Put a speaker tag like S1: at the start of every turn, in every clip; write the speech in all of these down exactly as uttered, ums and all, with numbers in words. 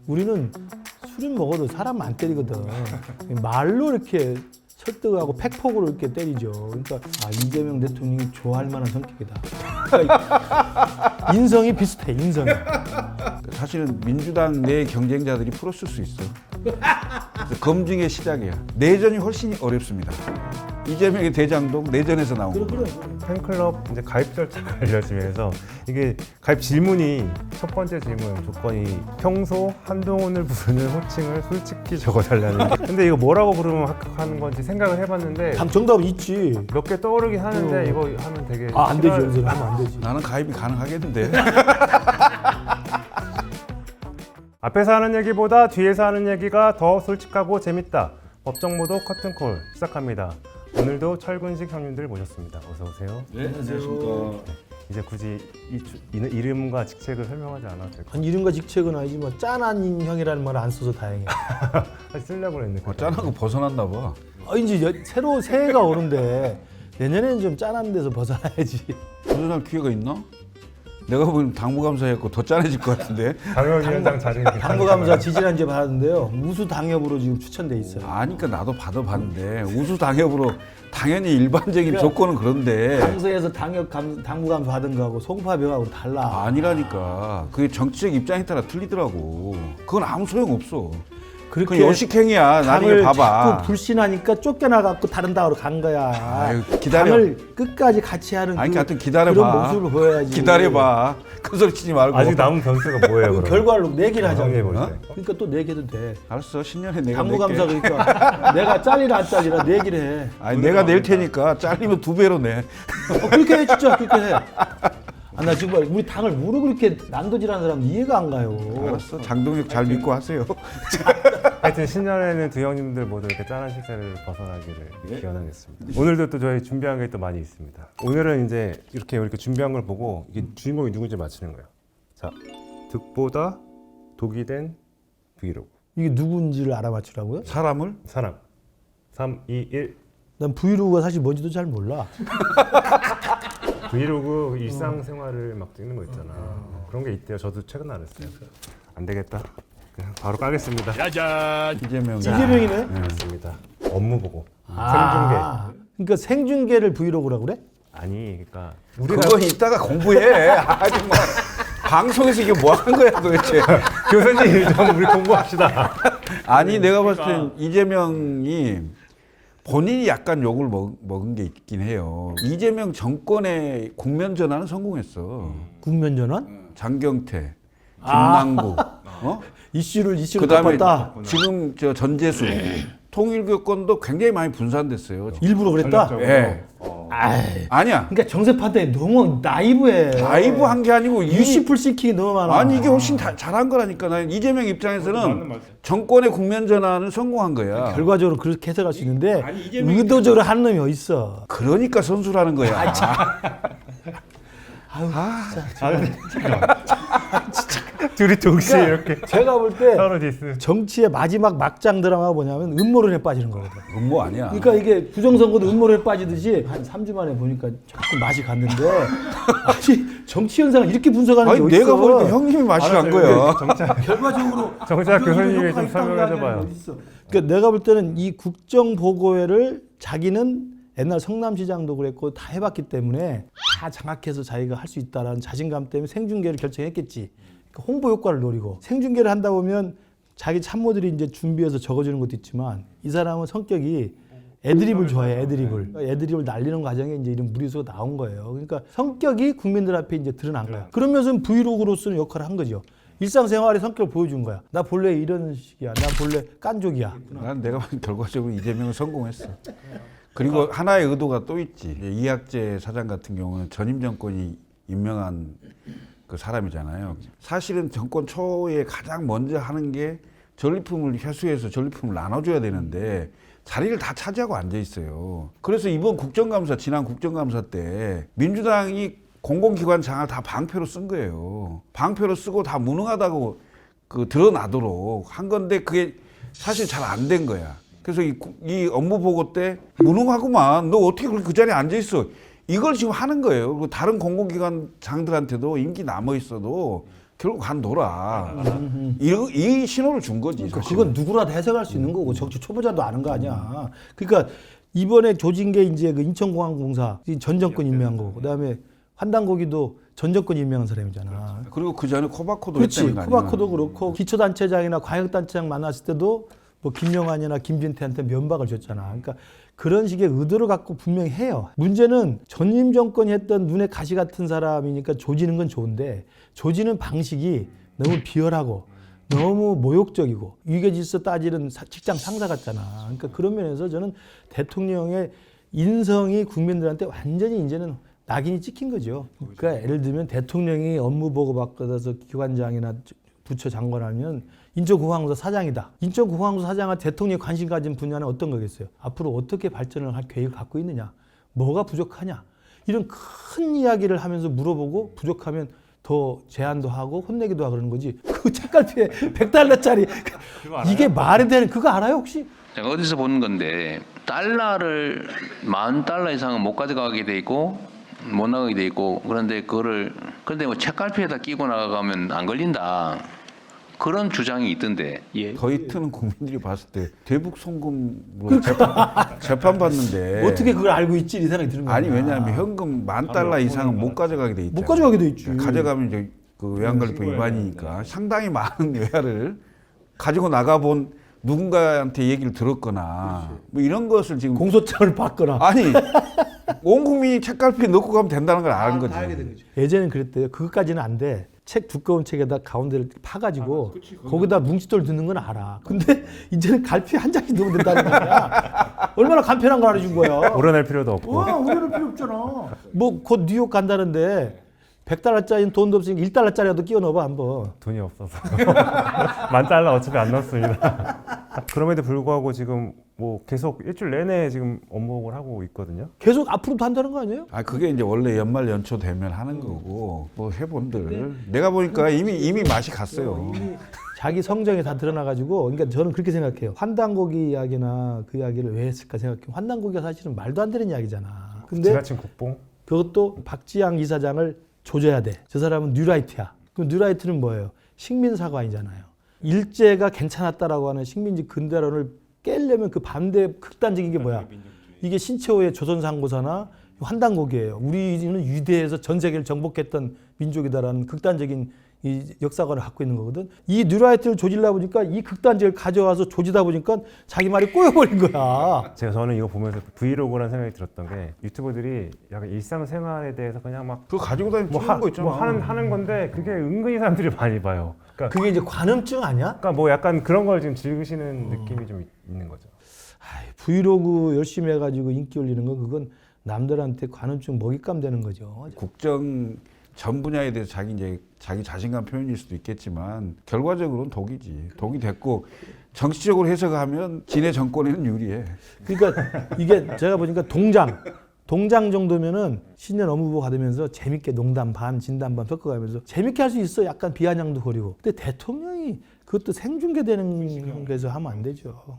S1: 우리는 술은 먹어도 사람 안 때리거든. 말로 이렇게 설득하고 팩폭으로 이렇게 때리죠. 그러니까 아, 이재명 대통령이 좋아할 만한 성격이다. 그러니까 인성이 비슷해, 인성이.
S2: 사실은 민주당 내 경쟁자들이 풀었을 수 있어. 그래서 검증의 시작이야. 내전이 훨씬 어렵습니다. 이재명의 대장동 내전에서 나온 거.
S1: 그래, 그래.
S3: 팬클럽 이제 가입 절차가 알려지면서 이게 가입 질문이 첫 번째 질문 조건이 평소 한동훈을 부르는 호칭을 솔직히 적어달라는. 근데 이거 뭐라고 부르면 합격하는 건지 생각을 해봤는데
S1: 감 정답 있지.
S3: 몇 개 떠오르긴 하는데
S1: 어.
S3: 이거 하면 되게
S1: 아, 안 되지.
S3: 싫어할-
S1: 여기서 하면 안 되지.
S2: 나는 가입이 가능하겠는데.
S3: 앞에서 하는 얘기보다 뒤에서 하는 얘기가 더 솔직하고 재밌다. 법정모도 커튼콜 시작합니다. 오늘도 철근식 형님들 모셨습니다. 어서 오세요.
S2: 네, 안녕하십니까.
S3: 이제 굳이 이, 주- 이, 이름과 직책을 설명하지 않아도 될 것 같아요.
S1: 아니, 이름과 직책은 아니지만 짠한 형이라는 말을 안 써서 다행이야.
S3: 사실 쓰려고 했는데
S2: 어, 짠한 거 벗어났나 봐.
S1: 아, 이제 여- 새로 새해가 오는데 내년에는 좀 짠한 데서 벗어나야지.
S2: 벗어날 기회가 있나? 내가 보기엔 당무감사했고 더 짠해질 것 같은데.
S3: 당협위원장 자리
S1: 당무감사 지지난주에 받았는데요. 우수 당협으로 지금 추천돼 있어요.
S2: 아니까 나도 받아봤는데 우수 당협으로 당연히 일반적인
S1: 그러니까
S2: 조건은 그런데
S1: 당서에서 당협 감, 당무감사 받은 거하고 송파병하고 달라.
S2: 아니라니까. 그게 정치적 입장에 따라 틀리더라고. 그건 아무 소용 없어.
S1: 그렇게
S2: 그건 요식행위야. 나중에
S1: 당을
S2: 봐봐.
S1: 자꾸 불신하니까 쫓겨나갖고 다른 당으로 간 거야.
S2: 아유, 기다려.
S1: 당을 끝까지 같이 하는
S2: 아니,
S1: 그,
S2: 하여튼 기다려봐.
S1: 그런 모습을 보여야지.
S2: 기다려봐. 큰 소리 치지 말고.
S3: 아직 남은 변수가 뭐예요?
S1: 그
S3: 그럼?
S1: 결과로 내기를 하자고.
S3: 형님 볼
S2: 어?
S3: 때.
S1: 그러니까 또 내기도 돼.
S2: 알았어. 신년에 내가
S1: 당무감사
S2: 낼게.
S1: 그러니까 내가 잘리라 안 잘리라 내기를 해.
S2: 아니 내가 낼 테니까 잘리면 두 배로 내.
S1: 어, 그렇게 해 진짜 그렇게 해. 아, 나 지금 우리 당을 모르고 그렇게 난도질하는 사람 이해가 안 가요.
S2: 알았어. 장동혁 잘 믿고 하세요.
S3: 하여튼 신년에는 두 형님들 모두 이렇게 짠한 식사를 벗어나기를 기원하겠습니다. 오늘도 또 저희 준비한 게 또 많이 있습니다. 오늘은 이제 이렇게 이렇게 준비한 걸 보고 이게 주인공이 누군지 맞히는 거예요. 자, 득보다 독이 된 브이로그.
S1: 이게 누군지를 알아맞추라고요?
S2: 사람을
S3: 사람. 삼, 이, 일.
S1: 난 브이로그가 사실 뭔지도 잘 몰라.
S3: 브이로그 일상생활을 막 찍는 거 있잖아. 그런 게 있대요. 저도 최근 알았어요. 안 되겠다. 그냥 바로 까겠습니다.
S2: 이재명.
S1: 이재명이네.
S3: 맞습니다. 업무 보고.
S1: 아, 그러니까 생중계를 브이로그라고 그래?
S3: 아니, 그러니까 우리가
S2: 그거 이따가 공부해. 아주 뭐 방송에서 이게 뭐 하는 거야 도대체.
S3: 교수님 좀 우리 공부합시다.
S2: 아니 내가 봤을 땐 이재명이 본인이 약간 욕을 먹, 먹은 게 있긴 해요. 이재명 정권의 국면 전환은 성공했어.
S1: 국면 전환?
S2: 장경태,
S1: 아.
S2: 김남국, 어?
S1: 이슈를 이슈로
S2: 그다음에
S1: 덮었다.
S2: 지금 저 전재수 통일교권도 굉장히 많이 분산됐어요.
S1: 일부러 그랬다.
S2: 예.
S1: 아이,
S2: 아니야.
S1: 그러니까 정세파때 너무 나이브해.
S2: 라이브 한 게 아니고 이
S1: 유시풀 시키기 너무 많아.
S2: 아니 이게 훨씬 다, 잘한 거라니까. 난 이재명 입장에서는 정권의 국면 전환은 성공한 거야.
S1: 결과적으로 그렇게 해석할 수 있는데 의도적으로 하는 놈이 어딨어.
S2: 그러니까 선수라는 거야.
S1: 아유,
S3: 둘이 동시에
S1: 그러니까
S3: 이렇게
S1: 제가 볼 때
S3: 서로 디스.
S1: 정치의 마지막 막장 드라마가 뭐냐면 음모론에 빠지는 거거든.
S2: 음모 아니야.
S1: 그러니까 이게 부정선거도 음모론에 빠지듯이 한 삼 주 만에 보니까 조금 맛이 갔는데 아니 정치 현상을 이렇게 분석하는 게
S2: 아니
S1: 어딨어.
S2: 내가 볼 때 형님이 맛이 간 거야.
S1: 결과적으로
S3: 정치학
S1: 이런
S3: 교수님이
S1: 효과가
S3: 좀
S1: 있다고
S3: 설명해
S1: 하는
S3: 줘봐요.
S1: 게 어딨어. 그러니까 내가 볼 때는 이 국정보고회를 자기는 옛날 성남시장도 그랬고 다 해봤기 때문에 다 장악해서 자기가 할 수 있다라는 자신감 때문에 생중계를 결정했겠지. 그러니까 홍보 효과를 노리고 생중계를 한다 보면 자기 참모들이 이제 준비해서 적어주는 것도 있지만 이 사람은 성격이 애드립을 좋아해. 애드립을 애드립을 날리는 과정에 이제 이런 무리수가 나온 거예요. 그러니까 성격이 국민들 앞에 이제 드러난 거야. 그러면서 브이로그로서는 역할을 한 거죠. 일상생활의 성격을 보여준 거야. 나 본래 이런 식이야. 나 본래 깐족이야.
S2: 난 내가 봤을 때 결과적으로 이재명은 성공했어. 그리고 하나의 의도가 또 있지. 이학재 사장 같은 경우는 전임 정권이 임명한 그 사람이잖아요. 사실은 정권 초에 가장 먼저 하는 게 전리품을 회수해서 전리품을 나눠줘야 되는데 자리를 다 차지하고 앉아 있어요. 그래서 이번 국정감사, 지난 국정감사 때 민주당이 공공기관 장을 다 방패로 쓴 거예요. 방패로 쓰고 다 무능하다고 그 드러나도록 한 건데 그게 사실 잘 안 된 거야. 그래서 이, 이 업무 보고 때 무능하구만. 너 어떻게 그렇게 그 자리에 앉아 있어? 이걸 지금 하는 거예요. 그리고 다른 공공기관 장들한테도 임기 남아 있어도 결국 간둬라. 이, 이 신호를 준 거지.
S1: 그러니까
S2: 사실은.
S1: 그건 누구라도 해석할 수 있는 거고 정치 초보자도 아는 거 아니야. 그러니까 이번에 조진 게 이제 그 인천공항공사 전 정권 임명한 거고, 그다음에 환단고기도 전 정권 임명한 사람이잖아.
S2: 그리고 그 전에 코바코도
S1: 그렇지.
S2: 했다는 거 아니야.
S1: 코바코도 그렇고 기초단체장이나 광역단체장 만났을 때도 뭐 김영환이나 김진태한테 면박을 줬잖아. 그러니까 그런 식의 의도를 갖고 분명히 해요. 문제는 전임 정권이 했던 눈에 가시 같은 사람이니까 조지는 건 좋은데 조지는 방식이 너무 비열하고 너무 모욕적이고 위계질서 따지는 사- 직장 상사 같잖아. 그러니까 그런 면에서 저는 대통령의 인성이 국민들한테 완전히 이제는 낙인이 찍힌 거죠. 그러니까 예를 들면 대통령이 업무 보고 받아서 기관장이나 부처 장관하면 인천공항공사 사장이다. 인천공항공사 사장은 대통령이 관심 가진 분야는 어떤 거겠어요? 앞으로 어떻게 발전을 할 계획을 갖고 있느냐? 뭐가 부족하냐? 이런 큰 이야기를 하면서 물어보고 부족하면 더 제안도 하고 혼내기도 하고 그러는 거지. 그 책갈피에 백 달러짜리 이게 말이 되는 그거 알아요 혹시?
S4: 제가 어디서 본 건데 달러를 만 달러 이상은 못 가져가게 돼 있고 못 나가게 돼 있고 그런데 그거를 그런데 뭐 책갈피에다 끼고 나가면 안 걸린다 그런 주장이 있던데. 예.
S2: 더이트는 국민들이 봤을 때 대북 송금으로 재판, 재판 받는데
S1: 어떻게 그걸 알고 있지? 이 생각이 드는 거야.
S2: 아니 왜냐하면 현금 만 달러 이상은 못 가져가게 돼 있잖아.
S1: 못 가져가게 돼 있지.
S2: 가져가면 이제 그 외환관리법 위반이니까 상당히 많은 외화를 가지고 나가본 누군가한테 얘기를 들었거나 뭐 이런 것을 지금
S1: 공소장을 받거나.
S2: 아니 온 국민이 책갈피에 넣고 가면 된다는 걸 아는 거지.
S1: 예전엔 그랬대요. 그것까지는 안 돼. 책 두꺼운 책에다 가운데를 파가지고 거기다 뭉칫돌 넣는 건 알아. 근데 이제는 갈피 한 장씩 넣으면 된다는 거야. 얼마나 간편한 걸 알려준 거야.
S3: 오려낼 필요도 없고.
S1: 와, 오래될 필요 없잖아. 뭐 곧 뉴욕 간다는데 백 달러짜리는 돈도 없으니까 일 달러짜리라도 끼워 넣어봐 한번.
S3: 돈이 없어서 만 달러 어차피 안 넣습니다. 그럼에도 불구하고 지금 뭐 계속 일주일 내내 지금 업무를 하고 있거든요.
S1: 계속 앞으로도 한다는 거 아니에요?
S2: 아 그게 이제 원래 연말 연초 되면 하는 거고 뭐 해본들 내가 보니까 이미 이미 맛이 갔어요.
S1: 자기 성정이 다 드러나가지고, 그러니까 저는 그렇게 생각해요. 환단고기 이야기나 그 이야기를 왜 했을까 생각해요. 환단고기가 사실은 말도 안 되는 이야기잖아. 근데
S3: 지나친 국뽕.
S1: 그것도 박지양 이사장을 조져야 돼. 저 사람은 뉴라이트야. 그 뉴라이트는 뭐예요? 식민사관이잖아요. 일제가 괜찮았다라고 하는 식민지 근대론을 깨려면 그 반대 극단적인 게 뭐야? 이게 신채호의 조선상고사나 환단고기예요. 우리는 위대해서 전 세계를 정복했던 민족이다라는 극단적인 이 역사관을 갖고 있는 거거든. 이 뉴라이트를 조질라 보니까 이 극단적을 가져와서 조지다 보니까 자기 말이 꼬여버린 거야.
S3: 제가 저는 이거 보면서 브이로그라는 생각이 들었던 게 유튜버들이 약간 일상생활에 대해서 그냥 막
S2: 그거 가지고 다니면
S3: 뭐,
S2: 찍는
S3: 하,
S2: 거 있잖아.
S3: 뭐 하는 하는 건데 그게 은근히 사람들이 많이 봐요. 그러니까,
S1: 그게 이제 관음증 아니야?
S3: 그러니까 뭐 약간 그런 걸 지금 즐기시는 느낌이 좀 있- 있는 거죠.
S1: 아이, 브이로그 열심히 해가지고 인기 올리는 거 그건 남들한테 관음증 먹잇감 되는 거죠.
S2: 국정 전 분야에 대해서 자기 이제 자기 자신감 표현일 수도 있겠지만 결과적으로는 독이지. 독이 됐고 정치적으로 해석하면 진해 정권에는 유리해.
S1: 그러니까 이게 제가 보니까 동장, 동장 정도면은 신년 업무보고 받으면서 재밌게 농담 반, 진담 반 섞어가면서 재밌게 할 수 있어. 약간 비아냥도 거리고. 근데 대통령이 그것도 생중계되는 데서 하면 안 되죠.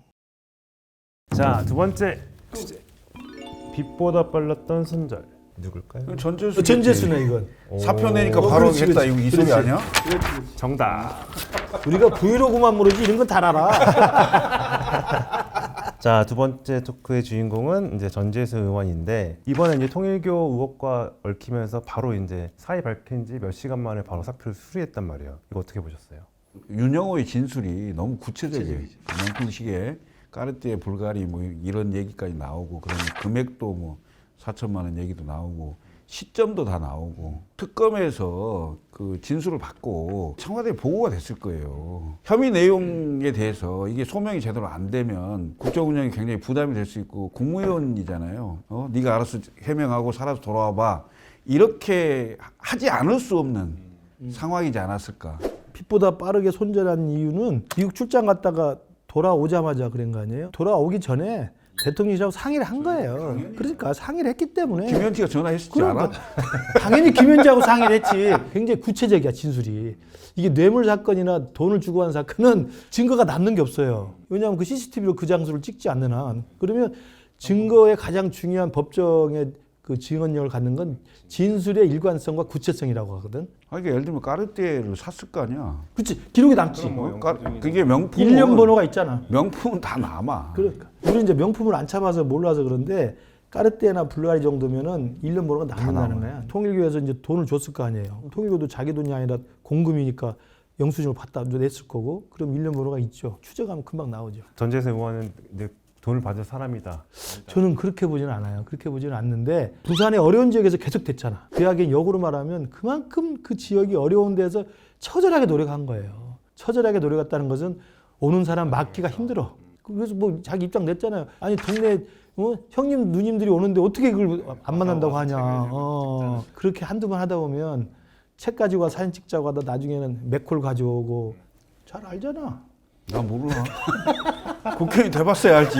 S3: 자, 두 번째 주제. 빛보다 빨랐던 손절. 누굴까요?
S2: 전재수
S1: 전재수네 이건.
S2: 사표 내니까
S1: 오,
S2: 바로
S1: 그렇지,
S2: 하겠다.
S1: 그렇지.
S2: 이거 이 소리
S1: 그렇지.
S2: 아니야?
S3: 정답.
S1: 우리가 브이로그만 모르지 이런 건 다 알아.
S3: 자, 두 번째 토크의 주인공은 이제 전재수 의원인데 이번에 이제 통일교 의혹과 얽히면서 바로 이제 사의 밝힌 지 몇 시간 만에 바로 사표를 수리했단 말이에요. 이거 어떻게 보셨어요?
S2: 윤영호의 진술이 너무 구체적이에요. 명품시계 까르띠에 불가리 뭐 이런 얘기까지 나오고 그런 금액도 뭐 사천만 원 얘기도 나오고 시점도 다 나오고 특검에서 그 진술을 받고 청와대에 보고가 됐을 거예요. 혐의 내용에 대해서 이게 소명이 제대로 안 되면 국정 운영이 굉장히 부담이 될 수 있고 국무위원이잖아요. 어? 네가 알아서 해명하고 살아서 돌아와 봐. 이렇게 하지 않을 수 없는 상황이지 않았을까.
S1: 빛보다 빠르게 손절한 이유는 미국 출장 갔다가 돌아오자마자 그런 거 아니에요? 돌아오기 전에 대통령이라고 상의를 한 거예요. 그러니까 상의를 했기 때문에.
S2: 김현지가 전화했었지
S1: 그러니까
S2: 않아?
S1: 당연히 김현지하고 상의를 했지. 굉장히 구체적이야 진술이. 이게 뇌물 사건이나 돈을 주고 한 사건은 증거가 남는 게 없어요. 왜냐하면 그 씨씨티비로 그 장소를 찍지 않는 한. 그러면 증거의 가장 중요한 법정의 그 증언력을 갖는 건 진술의 일관성과 구체성이라고 하거든.
S2: 아, 이게 예를 들면 까르띠에를 샀을 거 아니야.
S1: 그렇지. 기록이 남지.
S3: 뭐
S2: 까- 그게 명품.
S1: 일련 번호가 있잖아.
S2: 명품은 다 남아.
S1: 그러니까 우리 이제 명품을 안 참아서 몰라서 그런데 까르띠에나 불가리 정도면은 일련 번호가 남는다는 거야. 통일교에서 이제 돈을 줬을 거 아니에요. 통일교도 자기 돈이 아니라 공금이니까 영수증을 받다 냈을 거고, 그럼 일련 번호가 있죠. 추적하면 금방 나오죠.
S3: 전재세 의원은 이제 돈을 받은 사람이다.
S1: 저는 그렇게 보지는 않아요. 그렇게 보지는 않는데 부산의 어려운 지역에서 계속 됐잖아. 그 이야기는 역으로 말하면 그만큼 그 지역이 어려운 데서 처절하게 노력한 거예요. 처절하게 노력했다는 것은 오는 사람 막기가 힘들어. 그래서 뭐 자기 입장 냈잖아요. 아니 동네 어? 형님 누님들이 오는데 어떻게 그걸 안 만난다고 하냐. 어, 그렇게 한두 번 하다 보면 책 가지고 와 사진 찍자고 하다 나중에는 맥콜 가져오고 잘 알잖아.
S2: 나 몰라. 국회의원 돼봤어야 알지.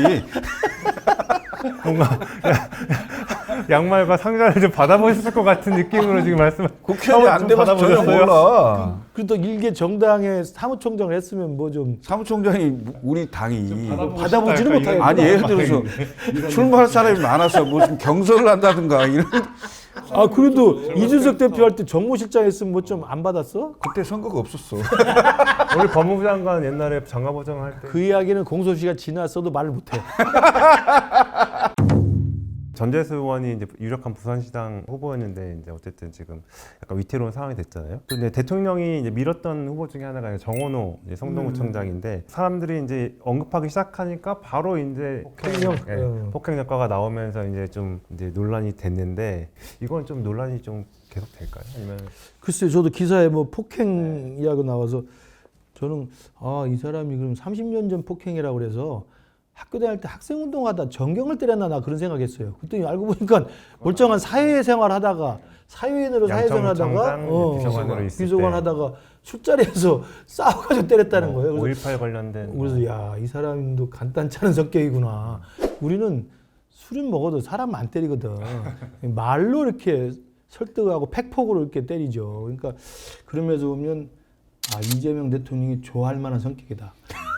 S3: 뭔가 양말과 상자를 좀 받아보셨을 것 같은 느낌으로 지금 말씀.
S2: 국회의원이 안 돼봐서 전혀 몰라.
S1: 그래도 일개 정당의 사무총장을 했으면 뭐 좀
S2: 사무총장이 우리 당이
S1: 받아보지는 못하겠구나.
S2: 아니 예를 들어서 출마할 사람이 많아서 무슨 경선을 한다든가 이런.
S1: 아 그래도 이준석 대표 할 때 정무실장 했으면 뭐 좀 안 받았어?
S2: 그때 선거가 없었어.
S3: 우리 법무부 장관 옛날에 장가보정 할 때
S1: 그 이야기는 공소시가 지났어도 말을 못해.
S3: 전재수 의원이 이제 유력한 부산시장 후보였는데 이제 어쨌든 지금 약간 위태로운 상황이 됐잖아요. 근데 대통령이 이제 밀었던 후보 중에 하나가 정원호 이제 성동구청장인데 사람들이 이제 언급하기 시작하니까 바로 이제
S1: 폭행,
S3: 예,
S1: 음.
S3: 폭행 효과가 나오면서 이제 좀 이제 논란이 됐는데 이건 좀 논란이 좀 계속 될까요? 아니면
S1: 글쎄요, 저도 기사에 뭐 폭행 이야기 나와서 저는 아 이 사람이 그럼 삼십 년 전 폭행이라고 그래서 학교 다닐 때 학생 운동하다 전경을 때렸나 나 그런 생각했어요. 그랬더니 알고 보니까 멀쩡한 사회생활 하다가 사회인으로 사회생활 하다가
S3: 양천구청장 비서관으로 있을
S1: 비서관
S3: 때.
S1: 하다가 술자리에서 싸워가지고 때렸다는 거예요. 그래서
S3: 오일팔 관련된
S1: 그래서 야 이 사람도 간단치 않은 성격이구나. 우리는 술은 먹어도 사람 안 때리거든. 말로 이렇게 설득하고 팩폭으로 이렇게 때리죠. 그러니까 그런 면에서 보면 아 이재명 대통령이 좋아할 만한 성격이다.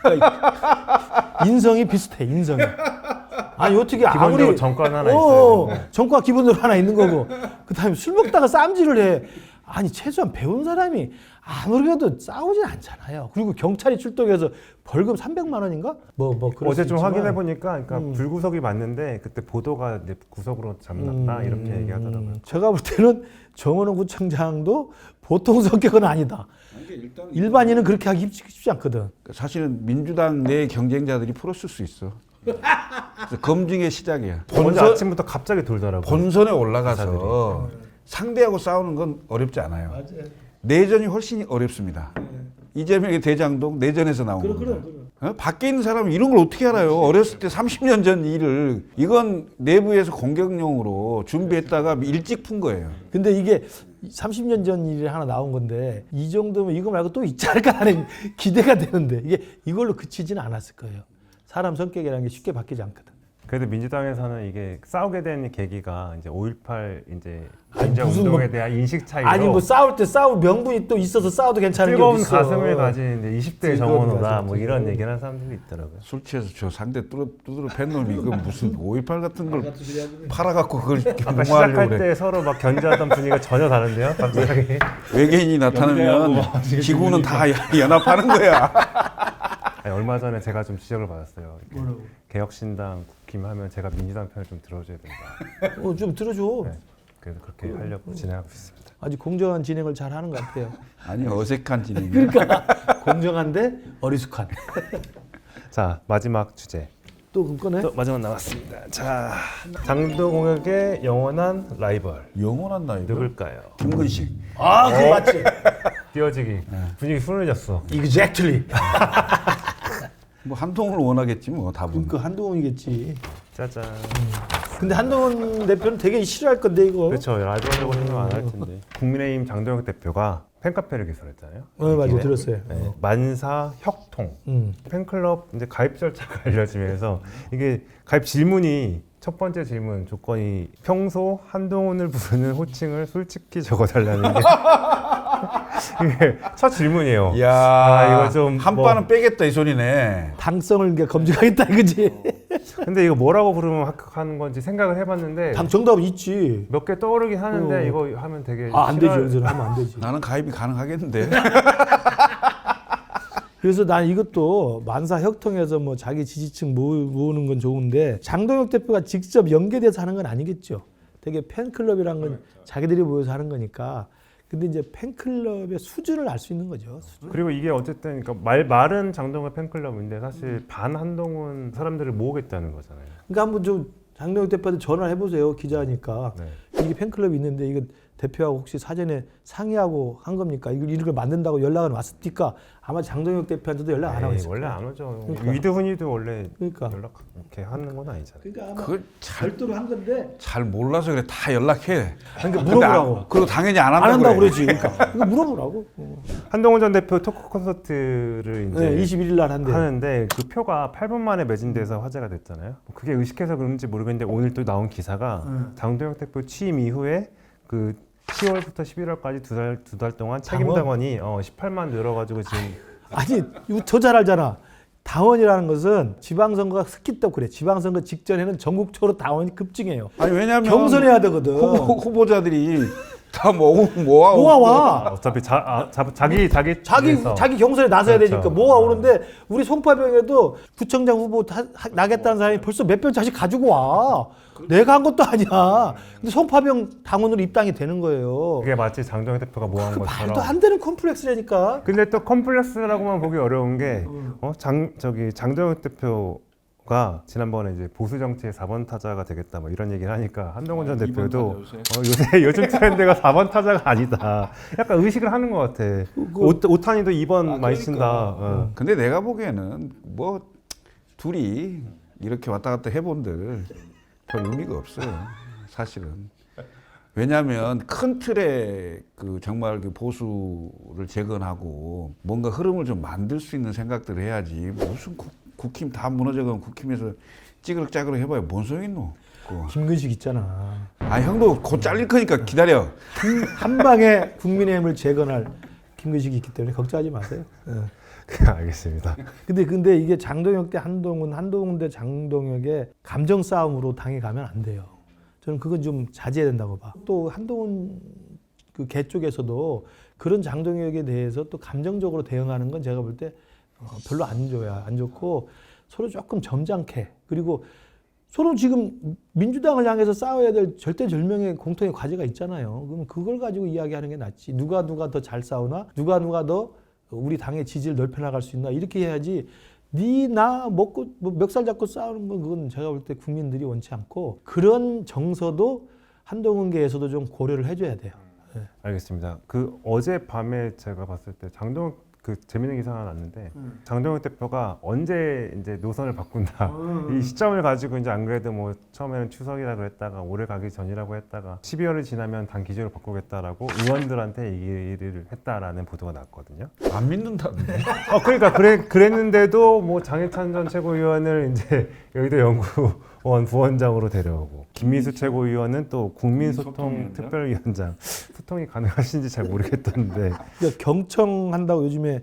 S1: 그러니까 인성이 비슷해. 인성이. 아니 어떻게
S3: 기본적으로
S1: 아무리
S3: 정권 하나
S1: 어,
S3: 있어요.
S1: 정과 기본적으로 하나 있는 거고 그다음에 술 먹다가 쌈질을 해. 아니 최소한 배운 사람이 아무래도 싸우진 않잖아요. 그리고 경찰이 출동해서 벌금 삼백만 원인가? 뭐 뭐 그럴
S3: 어제
S1: 수
S3: 좀
S1: 있지만.
S3: 확인해 보니까 그러니까
S1: 음.
S3: 불구속이 맞는데 그때 보도가 이제 구속으로 잡났다
S1: 음,
S3: 이렇게 얘기하더라고요.
S1: 제가 볼 때는 정원호 구청장도 보통 성격은 아니다. 일반인은 그렇게 하기 쉽지, 쉽지 않거든.
S2: 사실은 민주당 내 경쟁자들이 풀었을 수 있어. 그래서 검증의 시작이야.
S3: 어제
S2: 본선,
S3: 아침부터 갑자기 돌더라고요.
S2: 본선에 올라가서 상대하고 싸우는 건 어렵지 않아요. 내전이 훨씬 어렵습니다. 이재명의 대장동 내전에서 나온 겁니다. 어? 밖에 있는 사람은 이런 걸 어떻게 알아요? 어렸을 때 삼십 년 전 일을 이건 내부에서 공격용으로 준비했다가 일찍 푼 거예요.
S1: 근데 이게 삼십 년 전 일이 하나 나온 건데 이 정도면 이거 말고 또 있지 않을까 하는 기대가 되는데 이게 이걸로 그치지는 않았을 거예요. 사람 성격이라는 게 쉽게 바뀌지 않거든.
S3: 그래도 민주당에서는 이게 싸우게 된 계기가 이제 오일팔 이제
S1: 아니,
S3: 민주화
S1: 무슨
S3: 운동에
S1: 뭐-
S3: 대한 인식 차이로
S1: 아니 뭐 싸울 때 싸울 명분이 또 있어서 싸워도 괜찮은 게
S3: 뜨거운
S1: 어딨어.
S3: 가슴을 가진 이제 이십 대
S1: 뜨거운
S3: 정원호다
S1: 가슴,
S3: 뭐 이런
S1: 뜨거운.
S3: 얘기를 하는 사람들이 있더라고요.
S2: 술 취해서 저 상대 뚜드러, 뚜드러 팬 놈이 이거 무슨 오이팔 같은 걸 팔아갖고 그걸 이렇게
S3: 아까
S2: 옹호하려고
S3: 시작할
S2: 그래.
S3: 때 서로 막 견제하던 분위기가 전혀 다른데요. 갑자기
S2: 외계인이 나타나면 지구는 다 연합하는 거야.
S3: 아니, 얼마 전에 제가 좀 지적을 받았어요. 이렇게
S1: 뭐라고?
S3: 개혁신당 국힘하면 제가 민주당 편을 좀 들어줘야 된다.
S1: 어, 좀 들어줘.
S3: 네. 그래서 그렇게 하려고 진행하고 있습니다.
S1: 아주 공정한 진행을 잘 하는 것 같아요.
S2: 아니 어색한 진행.
S1: 그러니까 공정한데 어리숙한.
S3: 자 마지막 주제.
S1: 또 그럼 꺼내?
S3: 또 마지막 남았습니다. 자 장도공혁의 영원한 라이벌
S2: 영원한 나이.
S3: 누굴까요?
S2: 김근식.
S1: 아, 그거 맞지?
S3: 띄어지기 분위기 훈훈해졌어.
S1: Exactly.
S2: 뭐 한동훈을 원하겠지 뭐 답은.
S1: 그 한동훈이겠지.
S3: 짜잔.
S1: 근데 한동훈 대표는 되게 싫어할 건데 이거.
S3: 그렇죠. 라이벌이라고 생각 안 할 텐데. 국민의힘 장도혁 대표가 팬카페를 개설했잖아요.
S1: 어, 맞아
S3: 이번에.
S1: 들었어요.
S3: 네, 만사 혁통
S1: 음.
S3: 팬클럽 이제 가입 절차가 알려지면서 이게 가입 질문이 첫 번째 질문 조건이 평소 한동훈을 부르는 호칭을 솔직히 적어달라는 게 이게 첫 질문이에요.
S2: 야,
S3: 아, 이거 좀
S2: 한
S3: 뭐-
S2: 바는 빼겠다 이 소리네.
S1: 당성을 이제 검증하겠다 이거지.
S3: 근데 이거 뭐라고 부르면 합격하는 건지 생각을 해봤는데
S1: 당 정답은 있지.
S3: 몇 개 떠오르긴 하는데
S1: 어.
S3: 이거 하면 되게
S1: 아, 안 되지.
S3: 싫어할-
S1: 여기서 하면 안 되지.
S2: 나는 가입이 가능하겠는데.
S1: 그래서 난 이것도 만사 협통해서 뭐 자기 지지층 모으, 모으는 건 좋은데 장동혁 대표가 직접 연계돼서 하는 건 아니겠죠. 되게 팬클럽이란 건 자기들이 모여서 하는 거니까. 근데 이제 팬클럽의 수준을 알 수 있는 거죠. 수준.
S3: 그리고 이게 어쨌든 그러니까 말 말은 장동혁 팬클럽인데 사실 반 한동훈 사람들을 모으겠다는 거잖아요.
S1: 그러니까 한번 좀 장동혁 대표한테 전화를 해보세요. 기자니까.
S3: 네.
S1: 이게 팬클럽이 있는데 이거 대표하고 혹시 사전에 상의하고 한 겁니까? 이걸 이런 걸 만든다고 연락은 왔습니까? 아마 장동혁 대표한테도 연락 안 하고
S3: 에이,
S1: 있을
S3: 원래
S1: 거예요.
S3: 안 오죠.
S1: 그러니까.
S3: 위드훈이도 원래
S1: 그러니까.
S3: 연락 이렇게 하는 건 아니잖아요.
S1: 그러니까 아마
S2: 그걸 잘,
S1: 별도로 한 건데.
S2: 잘 몰라서 그래. 다 연락해.
S1: 그러니까
S2: 근데
S1: 물어보라고.
S2: 안- 그리고 당연히 안
S1: 안
S2: 한다고
S1: 한다고
S2: 그래.
S1: 그러지. 그러니까 이거 물어보라고. 어.
S3: 한동훈 전 대표 토크 콘서트를 이제
S1: 네, 이십일 일 날 한대.
S3: 하는데 그 표가 팔 분 만에 매진돼서 화제가 됐잖아요. 뭐 그게 의식해서 그런지 모르겠는데 오늘 또 나온 기사가
S1: 음.
S3: 장동혁 대표 취임 이후에 그 시월부터 십일월까지 두 달 두 달 동안
S1: 당원?
S3: 책임 당원이 어, 십팔만 늘어가지고 지금
S1: 아니 이거 더 잘 알잖아. 당원이라는 것은 지방선거가 스키 때 그래. 지방선거 직전에는 전국적으로 당원이 급증해요.
S2: 아니 왜냐면
S1: 경선해야 되거든.
S2: 후보, 후보자들이 다 모아 모아
S1: 모아와.
S3: 어차피 자, 아, 자, 자기 자기
S1: 자기
S3: 위해서.
S1: 자기 경선에 나서야
S3: 그렇죠.
S1: 되니까 모아오는데 우리 송파병에도 구청장 후보 다, 하- 나겠다는 사람이 벌써 몇 별 자씩 가지고 와. 내가 한 것도 아니야. 근데 송파병 당원으로 입당이 되는 거예요.
S3: 그게 마치 장동혁 대표가 모아한
S1: 그
S3: 것처럼.
S1: 말도 안 되는 컴플렉스라니까.
S3: 근데 또 컴플렉스라고만 보기 어려운 게
S1: 음.
S3: 어, 장 저기 장동혁 대표가 지난번에 이제 보수 정치의 사 번 타자가 되겠다 뭐 이런 얘기를 하니까 한동훈 전
S2: 아, 이번
S3: 대표도
S2: 타자
S3: 어, 요새 요즘 트렌드가 사 번 타자가 아니다. 약간 의식을 하는 것 같아. 오, 오탄이도 이 번
S2: 아,
S3: 많이
S2: 그러니까.
S3: 친다. 어.
S2: 근데 내가 보기에는 뭐 둘이 이렇게 왔다 갔다 해본들 별 의미가 없어요. 사실은. 왜냐하면 큰 틀에 그 정말 그 보수를 재건하고 뭔가 흐름을 좀 만들 수 있는 생각들을 해야지. 무슨 국, 국힘 다 무너져가면 국힘에서 찌그럭짜그럭 해봐야 뭔 소용 있노? 그거.
S1: 김근식 있잖아.
S2: 아 형도 곧 잘릴 거니까 기다려.
S1: 한, 한 방에 국민의힘을 재건할 김근식이 있기 때문에 걱정하지 마세요. 어.
S3: 알겠습니다.
S1: 근데 근데 이게 장동혁 대 한동훈, 한동훈 대 장동혁의 감정 싸움으로 당에 가면 안 돼요. 저는 그건 좀 자제해야 된다고 봐. 또 한동훈 그 개 쪽에서도 그런 장동혁에 대해서 또 감정적으로 대응하는 건 제가 볼 때 어, 별로 안 좋아요. 안 좋고 서로 조금 점잖게 그리고 서로 지금 민주당을 향해서 싸워야 될 절대절명의 공통의 과제가 있잖아요. 그럼 그걸 가지고 이야기하는 게 낫지. 누가 누가 더 잘 싸우나? 누가 누가 더 우리 당의 지지를 넓혀나갈 수 있나? 이렇게 해야지. 니 나 먹고 뭐 멱살 잡고 싸우는 건 그건 제가 볼 때 국민들이 원치 않고 그런 정서도 한동훈계에서도 좀 고려를 해줘야 돼요. 네.
S3: 알겠습니다. 그 어제 밤에 제가 봤을 때 장동혁 그 재밌는 기사가 났는데
S1: 음.
S3: 장동혁 대표가 언제 이제 노선을 바꾼다
S1: 음.
S3: 이 시점을 가지고 이제 안 그래도 뭐 처음에는 추석이라 그랬다가 올해 가기 전이라고 했다가 십이월이 지나면 당 기조를 바꾸겠다라고 의원들한테 얘기를 했다라는 보도가 났거든요.
S2: 안 믿는다는데.
S3: 어 그러니까 그래 그랬는데도 뭐 장해찬 전 최고위원을 이제 여의도 연구원 부원장으로 데려오고 김민수 최고위원은 또 국민소통
S2: 소통위원장?
S3: 특별위원장 소통이 가능하신지 잘 모르겠던데
S1: 그러니까 경청한다고 요즘에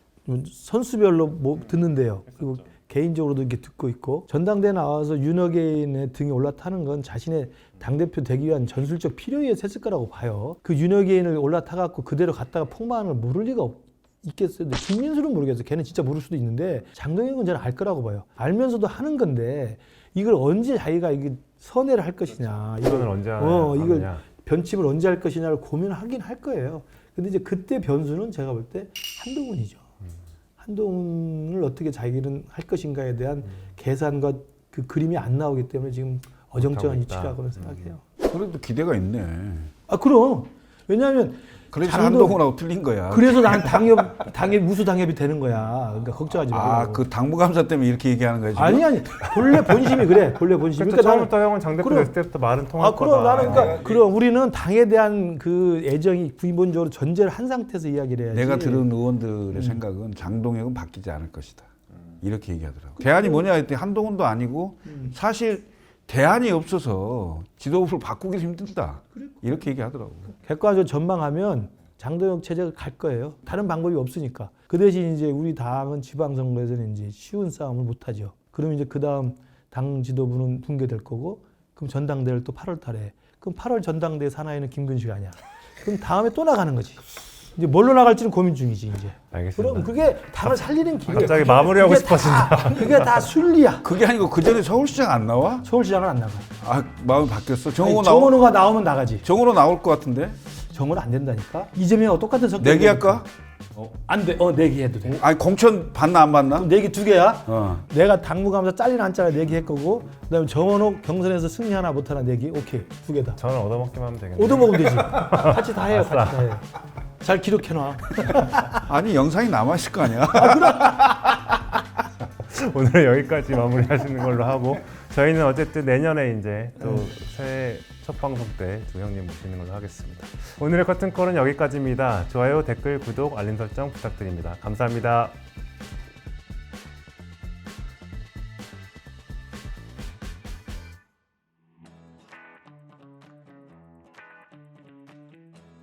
S1: 선수별로 뭐 듣는데요. 그리고 개인적으로도 이렇게 듣고 있고 전당대회 나와서 윤핵인의 등에 올라타는 건 자신의 당대표 되기 위한 전술적 필요에 했을 거라고 봐요. 그 윤핵인을 올라타갖고 그대로 갔다가 폭망을 모를 리가 없, 있겠어요. 근데 김민수는 모르겠어요. 걔는 진짜 모를 수도 있는데 장동혁은 저는 알 거라고 봐요. 알면서도 하는 건데 이걸 언제 자기가 이게 선회를 할 것이냐.
S3: 이거는 언제 하냐,
S1: 어, 이걸
S3: 하느냐.
S1: 변칙을 언제 할 것이냐를 고민하긴 할 거예요. 근데 이제 그때 변수는 제가 볼 때 한동훈이죠. 한동훈을 어떻게 자기는 할 것인가에 대한
S3: 음.
S1: 계산과 그 그림이 안 나오기 때문에 지금 어정쩡한
S3: 못하고 있다.
S1: 위치라고는 생각해요.
S2: 그래도 기대가 있네.
S1: 아 그럼 왜냐하면
S2: 그래서
S1: 장동-
S2: 한동훈하고 틀린 거야.
S1: 그래서 난 당협 당협 우수 당협이 되는 거야. 그러니까 걱정하지 마.
S2: 아, 그 당무감사 때문에 이렇게 얘기하는 거야 지금?
S1: 아니 아니 본래 본심이 그래. 본래 본심.
S3: 그러니까
S1: 나는-
S3: 처음부터 형은 장 대표
S1: 그럼-
S3: 됐을 때부터 말은 통할
S1: 아, 그럼
S3: 거다.
S1: 나는 그러니까 그럼 우리는 당에 대한 그 애정이 기본적으로 전제를 한 상태에서 이야기를 해야지.
S2: 내가 들은 의원들의 생각은 장동혁은 바뀌지 않을 것이다. 이렇게 얘기하더라고. 대안이 뭐냐 했더니 한동훈도 아니고 사실 대안이 없어서 지도부를 바꾸기 힘들다. 이렇게 얘기하더라고.
S1: 객관적으로 전망하면 장동혁 체제가 갈 거예요. 다른 방법이 없으니까. 그 대신 이제 우리 당은 지방선거에서는 이제 쉬운 싸움을 못 하죠. 그러면 이제 그 다음 당 지도부는 붕괴될 거고 그럼 전당대회를 또 팔월 달에 그럼 팔월 전당대회 사나이는 김근식 아니야. 그럼 다음에 또 나가는 거지. 이제 뭘로 나갈지는 고민 중이지 이제.
S3: 알겠습니다.
S1: 그럼 그게 당을 살리는 길이야.
S3: 갑자기 마무리하고
S1: 그게
S3: 싶어진다.
S1: 다, 그게 다 순리야.
S2: 그게 아니고 그 전에 서울시장 안 나와?
S1: 서울시장은 안 나가.
S2: 아 마음이 바뀌었어.
S1: 아니,
S2: 정호 나오
S1: 정원호가 나오면 나가지.
S2: 정호로 나올 것 같은데?
S1: 정원호 안 된다니까. 이재명하고 똑같은 성격.
S2: 내기할까?
S1: 안 돼. 어 내기해도 돼.
S2: 아니 공천 받나 안 받나?
S1: 그럼 내기 두 개야.
S2: 어.
S1: 내가 당무감사 잘리나 안 잘리나 내기할 거고 그다음에 정원호 경선에서 승리 하나 못 하나 내기. 오케이 두 개다.
S3: 저는 얻어먹기만 하면 되겠네요.
S1: 얻어먹으면 되지. 같이 다 해요. 같이 다 해. 잘 기록해놔.
S2: 아니 영상이 남아 있을 거 아니야?
S3: 오늘은 여기까지 마무리하시는 걸로 하고 저희는 어쨌든 내년에 이제 또 새해 첫 방송 때 두 형님 모시는 걸로 하겠습니다. 오늘의 커튼콜은 여기까지입니다. 좋아요, 댓글, 구독, 알림 설정 부탁드립니다. 감사합니다.